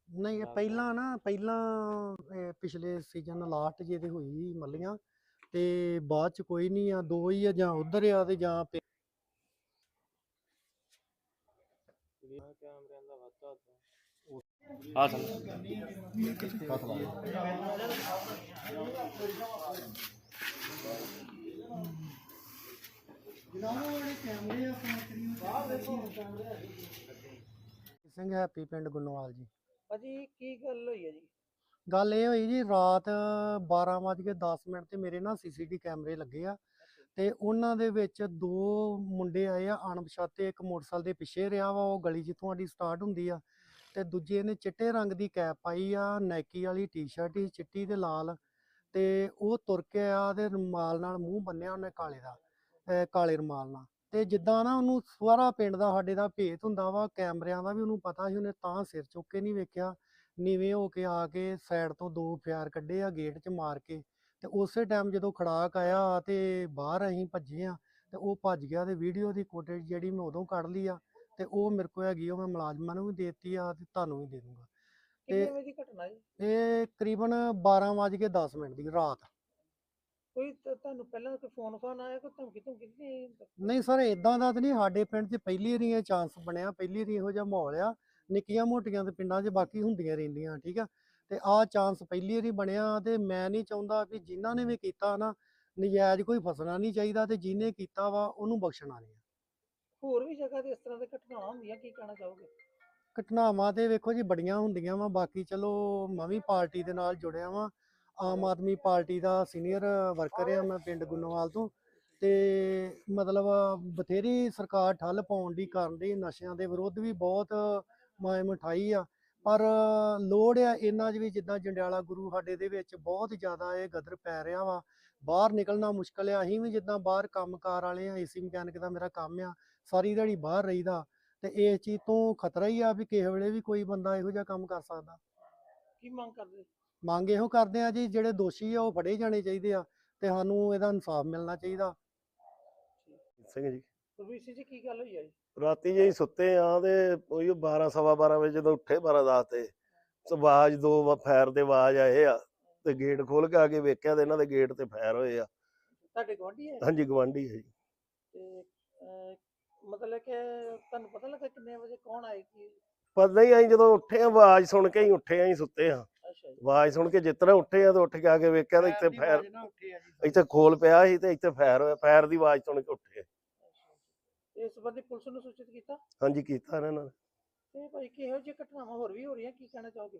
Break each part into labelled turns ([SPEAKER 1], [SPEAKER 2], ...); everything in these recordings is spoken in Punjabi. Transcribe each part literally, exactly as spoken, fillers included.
[SPEAKER 1] ਨਹੀਂ, ਇਹ ਪਹਿਲਾਂ ਨਾ ਪਹਿਲਾਂ ਇਹ ਪਿਛਲੇ ਸੀਜ਼ਨ ਲਾਸਟ ਜੇ ਤੇ ਹੋਈ ਸੀ ਮੱਲੀਆਂ, ਤੇ ਬਾਅਦ ਚ ਕੋਈ ਨਹੀਂ ਆ, ਦੋ ਹੀ ਆ, ਜਾਂ ਉਧਰ ਆ ਤੇ ਜਾਂ ਪੇ-
[SPEAKER 2] ਕੈਮਰਿਆਂ ਦਾ ਵਾਧਾ ਹਾਂ ਸਰ ਹੱਥ ਲਾ ਦੇ।
[SPEAKER 1] ਸਿੰਘ ਹੈਪੀ ਪਿੰਡ ਗੁੰਨੋਵਾਲ ਜੀ।
[SPEAKER 3] ਭਾਜੀ ਕੀ ਗੱਲ ਹੋਈ ਹੈ ਜੀ?
[SPEAKER 1] ਗੱਲ ਇਹ ਹੋਈ ਜੀ, ਰਾਤ ਬਾਰਾਂ ਵੱਜ ਕੇ ਦਸ ਮਿੰਟ ਤੇ ਮੇਰੇ ਨਾ ਸੀਸੀਟੀ ਕੈਮਰੇ ਲੱਗੇ ਆ, ਤੇ ਉਹਨਾਂ ਦੇ ਵਿੱਚ ਦੋ ਮੁੰਡੇ ਆਏ ਆ ਅਣਪਛਾਤੇ। ਇੱਕ ਮੋਟਰਸਾਈਕਲ ਦੇ ਪਿੱਛੇ ਰਿਹਾ ਵਾ, ਉਹ ਗਲੀ ਜਿੱਥੋਂ ਸਾਡੀ ਸਟਾਰਟ ਹੁੰਦੀ ਆ, ਤੇ ਦੂਜੇ ਨੇ ਚਿੱਟੇ ਰੰਗ ਦੀ ਕੈਪ ਪਾਈ ਆ, ਨਾਈਕੀ ਵਾਲੀ ਟੀ-ਸ਼ਰਟ ਸੀ ਚਿੱਟੀ ਤੇ ਲਾਲ, ਤੇ ਉਹ ਤੁਰ ਕੇ ਆ ਤੇ ਰੁਮਾਲ ਨਾਲ ਮੂੰਹ ਬੰਨਿਆ ਉਹਨੇ ਕਾਲੇ ਦਾ, ਅਹ ਕਾਲੇ ਰੁਮਾਲ ਨਾਲ। ਤੇ ਜਿੱਦਾਂ ਨਾ ਉਹਨੂੰ ਸਾਰਾ ਪਿੰਡ ਦਾ ਸਾਡੇ ਦਾ ਭੇਤ ਹੁੰਦਾ ਵਾ, ਕੈਮਰਿਆਂ ਦਾ ਵੀ ਉਹਨੂੰ ਪਤਾ ਸੀ, ਉਹਨੇ ਤਾਂ ਸਿਰ ਚੁੱਕ ਕੇ ਨਹੀਂ ਵੇਖਿਆ, ਨੀਵੇਂ ਹੋ ਕੇ ਆ ਕੇ ਸਾਈਡ ਤੋਂ ਦੋ ਫਾਇਰ ਕੱਢੇ ਆ ਗੇਟ 'ਚ ਮਾਰ ਕੇ। ਤੇ ਉਸੇ ਟਾਈਮ ਜਦੋਂ ਖੜਾਕ ਆਇਆ ਤੇ ਬਾਹਰ ਅਸੀਂ ਭੱਜੇ ਆ, ਤੇ ਉਹ ਭੱਜ ਗਿਆ, ਤੇ ਵੀਡੀਓ ਦੀ ਫੁਟੇਜ ਜਿਹੜੀ ਮੈਂ ਉਦੋਂ ਕੱਢ ਲਈ ਆ, ਤੇ ਉਹ ਮੇਰੇ ਕੋਲ ਹੈਗੀ, ਉਹ ਮੈਂ ਮੁਲਾਜ਼ਮਾਂ ਨੂੰ ਵੀ ਦੇ ਦਿੱਤੀ ਆ ਤੇ ਤੁਹਾਨੂੰ ਵੀ ਦੇ ਦੂੰਗਾ।
[SPEAKER 3] ਕਿੰਨੇ ਵਜੇ ਦੀ ਘਟਨਾ ਜੀ?
[SPEAKER 1] ਇਹ ਤਕਰੀਬਨ ਬਾਰਾਂ ਵੱਜ ਕੇ ਦਸ ਮਿੰਟ ਦੀ ਰਾਤ।
[SPEAKER 3] ਕੋਈ ਤ- ਤੁਹਾਨੂੰ ਪਹਿਲਾਂ ਕੋਈ ਫੋਨ ਫਾਨ ਆਇਆ, ਕੋਈ ਧਮਕੀ ਧਮਕੀ ਨਹੀਂ?
[SPEAKER 1] ਨਹੀਂ ਸਰ, ਇਦਾਂ ਦਾ ਤਾਂ ਨਹੀਂ, ਸਾਡੇ ਪਿੰਡ 'ਚ ਪਹਿਲੀ ਵਾਰੀ ਇਹ ਚਾਂਸ ਬਣਿਆ, ਪਹਿਲੀ ਵਾਰੀ ਇਹੋ ਜਿਹਾ ਮਾਹੌਲ ਆ। ਨਿੱਕੀਆਂ ਮੋਟੀਆਂ ਤੇ ਪਿੰਡਾਂ 'ਚ ਬਾਕੀ ਹੁੰਦੀਆਂ ਰਹਿੰਦੀਆਂ, ਠੀਕ ਆ, ਤੇ ਆਹ ਚਾਂਸ ਪਹਿਲੀ ਵਾਰੀ ਬਣਿਆ। ਤੇ ਮੈਂ ਨਹੀਂ ਚਾਹੁੰਦਾ ਵੀ ਜਿਨ੍ਹਾਂ ਨੇ ਵੀ ਕੀਤਾ ਨਾ, ਨਜਾਇਜ਼ ਕੋਈ ਫਸਣਾ ਨਹੀਂ ਚਾਹੀਦਾ, ਤੇ ਜਿਹਨੇ ਕੀਤਾ ਵਾ ਉਹਨੂੰ ਬਖਸ਼ਣਾ ਨਹੀਂ।
[SPEAKER 3] ਹੋਰ ਵੀ ਜਗ੍ਹਾ ਤੇ ਇਸ ਤਰ੍ਹਾਂ ਦੇ ਘਟਨਾਵਾਂ ਹੁੰਦੀਆਂ, ਕੀ ਕਹਿਣਾ ਚਾਹੋਗੇ?
[SPEAKER 1] ਘਟਨਾਵਾਂ ਤੇ ਵੇਖੋ ਜੀ ਬੜੀਆਂ ਹੁੰਦੀਆਂ ਵਾ, ਬਾਕੀ ਚਲੋ ਮੈਂ ਵੀ ਪਾਰਟੀ ਦੇ ਨਾਲ ਜੁੜਿਆ ਵਾਂ, ਆਮ ਆਦਮੀ ਪਾਰਟੀ ਦਾ ਸੀਨੀਅਰ ਵਰਕਰ ਆ ਮੈਂ ਪਿੰਡ ਗੁੰਨੋਵਾਲ ਤੋਂ। ਤੇ ਮਤਲਬ ਬਥੇਰੀ ਸਰਕਾਰ ਠੱਲ ਪਾਉਣ ਦੀ ਕਰਨ ਦੀ, ਨਸ਼ਿਆਂ ਦੇ ਵਿਰੁੱਧ ਵੀ ਬਹੁਤ ਮੁਹਿੰਮ ਉਠਾਈ ਆ, ਪਰ ਲੋੜ ਆ ਇਹਨਾਂ 'ਚ ਵੀ। ਜਿੱਦਾਂ ਜੰਡਿਆਲਾ ਗੁਰੂ ਸਾਡੇ ਦੇ ਵਿੱਚ ਬਹੁਤ ਜ਼ਿਆਦਾ ਇਹ ਗਦਰ ਪੈ ਰਿਹਾ ਵਾ, ਬਾਹਰ ਨਿਕਲਣਾ ਮੁਸ਼ਕਲ ਆ। ਅਸੀਂ ਵੀ ਜਿੱਦਾਂ ਬਾਹਰ ਕੰਮਕਾਰ ਵਾਲੇ ਆ, ਏਸੀ ਮਕੈਨਿਕ ਦਾ ਮੇਰਾ ਕੰਮ ਆ, ਸਾਰੀ ਦਿਹਾੜੀ ਬਾਹਰ ਰਹੀਦਾ, ਤੇ ਇਸ ਚੀਜ਼ ਤੋਂ ਖਤਰਾ ਹੀ ਆ ਵੀ ਕਿਸੇ ਵੇਲੇ ਵੀ ਕੋਈ ਬੰਦਾ ਇਹੋ ਜਿਹਾ ਕੰਮ ਕਰ ਸਕਦਾ।
[SPEAKER 3] ਕੀ ਮੰਗ ਕਰਦੇ?
[SPEAKER 1] ਮੰਗ ਇਹੋ ਕਰਦੇ ਆ ਜੀ, ਜਿਹੜੇ ਦੋਸ਼ੀ ਆ ਉਹ ਫੜੇ ਜਾਣੇ ਚਾਹੀਦੇ ਆ, ਤੇ ਸਾਨੂੰ ਇਹਦਾ ਇਨਸਾਫ ਮਿਲਣਾ ਚਾਹੀਦਾ।
[SPEAKER 4] ਸਿੰਘ ਜੀ,
[SPEAKER 3] ਗੁਰਵੀਰ ਸਿੰਘ ਜੀ ਕੀ ਗੱਲ ਹੋਈ ਹੈ ਜੀ?
[SPEAKER 4] ਰਾਤੀ ਜੇ ਅਸੀਂ ਸੁੱਤੇ ਆ ਤੇ ਉਹੀ ਬਾਰਾਂ ਸਵਾ ਬਾਰਾਂ ਵਜੇ ਜਦੋਂ ਉੱਠੇ, ਬਾਰਾਂ ਦਸ ਤੇ ਆਵਾਜ਼, ਦੋ ਵਾ- ਫਾਇਰ ਦੇ ਆਵਾਜ਼ ਆਏ ਆ, ਤੇ ਗੇਟ ਖੋਲ ਕੇ ਆ ਕੇ ਵੇਖਿਆ ਤੇ ਇਹਨਾਂ ਦੇ ਗੇਟ ਤੇ ਫਾਇਰ ਹੋਏ ਆ।
[SPEAKER 3] ਤੁਹਾਡੇ ਗੁਆਂਢੀ ਹੈ?
[SPEAKER 4] ਹਾਂਜੀ, ਗਵਾਂਢੀ ਹੈ ਜੀ।
[SPEAKER 3] ਤੇ ਅਹ, ਮਤਲਬ ਕਿ ਤੁਹਾਨੂੰ ਪਤਾ ਲੱਗਾ ਕਿੰਨੇ ਵਜੇ ਕੌਣ ਆਏ ਕੀ?
[SPEAKER 4] ਪਤਾ ਹੀ ਅਸੀਂ ਜਦੋਂ ਉੱਠੇ ਆ, ਆਵਾਜ਼ ਸੁਣ ਕੇ ਹੀ ਉੱਠੇ ਆ, ਅਸੀਂ ਸੁੱਤੇ ਆ,
[SPEAKER 3] ਅੱਛਾ ਜੀ।
[SPEAKER 4] ਆਵਾਜ਼ ਸੁਣ ਕੇ ਜਿਸ ਤਰ੍ਹਾਂ ਉੱਠੇ ਆ ਤੇ ਉੱਠ ਕੇ ਆ ਕੇ ਵੇਖਿਆ ਤੇ ਇੱਥੇ ਫਾਇਰ, ਇੱਥੇ ਖੋਲ ਪਿਆ ਸੀ ਤੇ ਇੱਥੇ ਫਾਇਰ ਹੋਇਆ। ਫਾਇਰ ਦੀ ਆਵਾਜ਼ ਸੁਣ ਕੇ ਉੱਠੇ।
[SPEAKER 3] ਇਸ ਸੰਬੰਧੀ ਪੁਲਿਸ ਨੂੰ ਸੂਚਿਤ ਕੀਤਾ?
[SPEAKER 4] ਹਾਂਜੀ, ਕੀਤਾ ਇਹਨਾਂ ਨੇ।
[SPEAKER 3] ਤੇ ਭਾਈ ਕਿਹੋ ਜਿਹੀ ਘਟਨਾਵਾਂ ਹੋਰ ਵੀ ਹੋ ਰਹੀਆਂ, ਕੀ ਕਹਿਣਾ ਚਾਹੋਗੇ?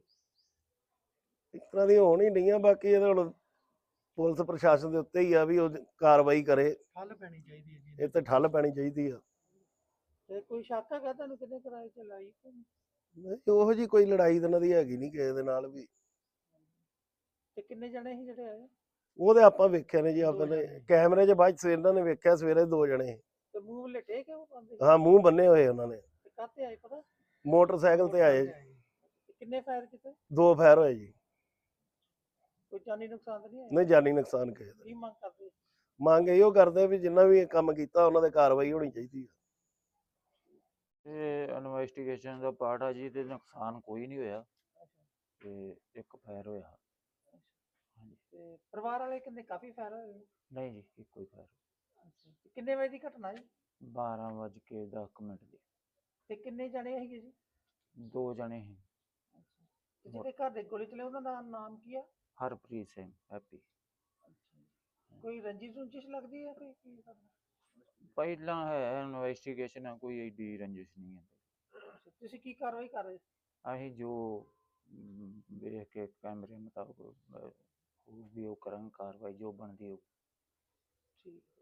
[SPEAKER 4] ਇਸ ਤਰ੍ਹਾਂ ਦੀ ਹੋਣ ਹੀ ਨਹੀਂ ਆ, ਬਾਕੀ ਇਹਦੇ ਹੁਣ ਪੁਲਿਸ ਪ੍ਰਸ਼ਾਸਨ ਦੇ ਉੱਤੇ ਹੀ ਆ ਵੀ ਉਹ ਕਾਰਵਾਈ ਕਰੇ,
[SPEAKER 1] ਠੱਲ ਪੈਣੀ ਚਾਹੀਦੀ ਹੈ ਜੀ।
[SPEAKER 4] ਇਹ ਤੇ ਠੱਲ ਪੈਣੀ ਚਾਹੀਦੀ ਆ।
[SPEAKER 3] ਤੇ ਕੋਈ ਸ਼ੱਕ ਹੈਗਾ ਤੁਹਾਨੂੰ ਕਿੰਨੇ ਕਿਰਾਏ ਤੇ ਲਾਈ?
[SPEAKER 4] ਨਹੀਂ, ਉਹੋ ਜੀ ਕੋਈ ਲੜਾਈ ਤਾਂ ਇਹਨਾਂ ਦੀ ਹੈਗੀ ਨਹੀਂ ਕਿਸੇ ਦੇ ਨਾਲ ਵੀ।
[SPEAKER 3] ਤੇ ਕਿੰਨੇ ਜਣੇ ਸੀ ਜਿਹੜੇ ਆਏ?
[SPEAKER 4] ਉਹਦੇ ਆਪਾਂ ਵੇਖਿਆ ਨੇ ਜੀ, ਆਪਣੇ ਕੈਮਰੇ 'ਚ ਬਾਅਦ 'ਚ ਇਹਨਾਂ ਨੇ ਵੇਖਿਆ, ਸਵੇਰੇ ਦੋ ਜਣੇ।
[SPEAKER 3] ਤੇ ਮੂੰਹ ਲਟੇ ਕਿ ਉਹ ਬੰਦੇ?
[SPEAKER 4] ਹਾਂ, ਮੂੰਹ ਬੰਨੇ ਹੋਏ ਉਹਨਾਂ ਨੇ।
[SPEAKER 3] ਤੇ ਕਾਹਤੇ ਆਏ ਪਤਾ?
[SPEAKER 4] ਮੋਟਰਸਾਈਕਲ ਤੇ ਆਏ ਜੀ।
[SPEAKER 3] ਤੇ ਕਿੰਨੇ ਫਾਇਰ ਕੀਤੇ?
[SPEAKER 4] ਦੋ ਫਾਇਰ ਹੋਏ ਜੀ।
[SPEAKER 3] ਕੋਈ ਜਾਨੀ ਨੁਕਸਾਨ ਤਾਂ ਨਹੀਂ ਆਇਆ?
[SPEAKER 4] ਨਹੀਂ, ਜਾਨੀ ਨੁਕਸਾਨ ਕਿਸੇ ਦਾ।
[SPEAKER 3] ਕੀ ਮੰਗ ਕਰਦੇ?
[SPEAKER 4] ਮੰਗ ਇਹੋ ਕਰਦੇ ਵੀ ਜਿੰਨਾ ਵੀ ਇਹ ਕੰਮ ਕੀਤਾ ਉਹਨਾਂ ਦੇ ਕਾਰਵਾਈ ਹੋਣੀ ਚਾਹੀਦੀ ਆ।
[SPEAKER 2] ਇਹ ਇਨਵੈਸਟੀਗੇਸ਼ਨ ਦਾ ਪਾਰਟ ਆ ਜੀ, ਤੇ ਨੁਕਸਾਨ ਕੋਈ ਨਹੀਂ ਹੋਇਆ, ਤੇ ਇੱਕ ਫਾਇਰ ਹੋਇਆ। ਹਾਂਜੀ।
[SPEAKER 3] ਤੇ ਪਰਿਵਾਰ ਵਾਲੇ ਕਿੰਨੇ ਕਾਫੀ ਫਾਇਰ ਹੋਏ?
[SPEAKER 2] ਨਹੀਂ ਜੀ, ਇੱਕੋ ਹੀ ਫਾਇਰ।
[SPEAKER 3] ਤੇ ਕਿੰਨੇ ਵਜੇ ਦੀ ਘਟਨਾ ਜੀ?
[SPEAKER 2] ਬਾਰਾਂ ਵੱਜ ਕੇ ਦਸ ਮਿੰਟ ਦੀ।
[SPEAKER 3] ਤੇ ਕਿੰਨੇ ਜਣੇ ਸੀਗੇ ਜੀ?
[SPEAKER 2] ਦੋ ਜਣੇ ਸੀ।
[SPEAKER 3] ਤੇ ਜਿਹਦੇ ਘਰ ਦੇ ਗੋਲੀ ਚਲੇ ਉਹਨਾਂ ਦਾ ਨਾਮ ਕੀ ਆ?
[SPEAKER 2] ਹਰਪ੍ਰੀਤ ਸਿੰਘ, ਹੈਪੀ।
[SPEAKER 3] ਕੋਈ ਰੰਜਿਸ਼ ਰੁੰਜਿਸ਼ ਲੱਗਦੀ ਹੈ ਕੋਈ ਕੀ ਕਰਦਾ?
[SPEAKER 2] ਪਹਿਲਾਂ ਹੈ ਇਨਵੈਸਟੀਗੇਸ਼ਨ ਆ, ਕੋਈ ਏਡੀ ਰੰਜਿਸ਼ ਨਹੀਂ ਹੈ।
[SPEAKER 3] ਤੁਸੀਂ ਕੀ ਕਾਰਵਾਈ ਕਰ ਰਹੇ?
[SPEAKER 2] ਅਸੀਂ ਜੋ ਅਮ, ਵੇਖ ਕੇ ਕੈਮਰੇ ਮੁਤਾਬਕ ਅਹ, ਹੋਊਗੀ ਉਹ ਕਰਾਂਗੇ ਕਾਰਵਾਈ ਜੋ ਬਣਦੀ ਹੋਊ।
[SPEAKER 3] ਠੀਕ।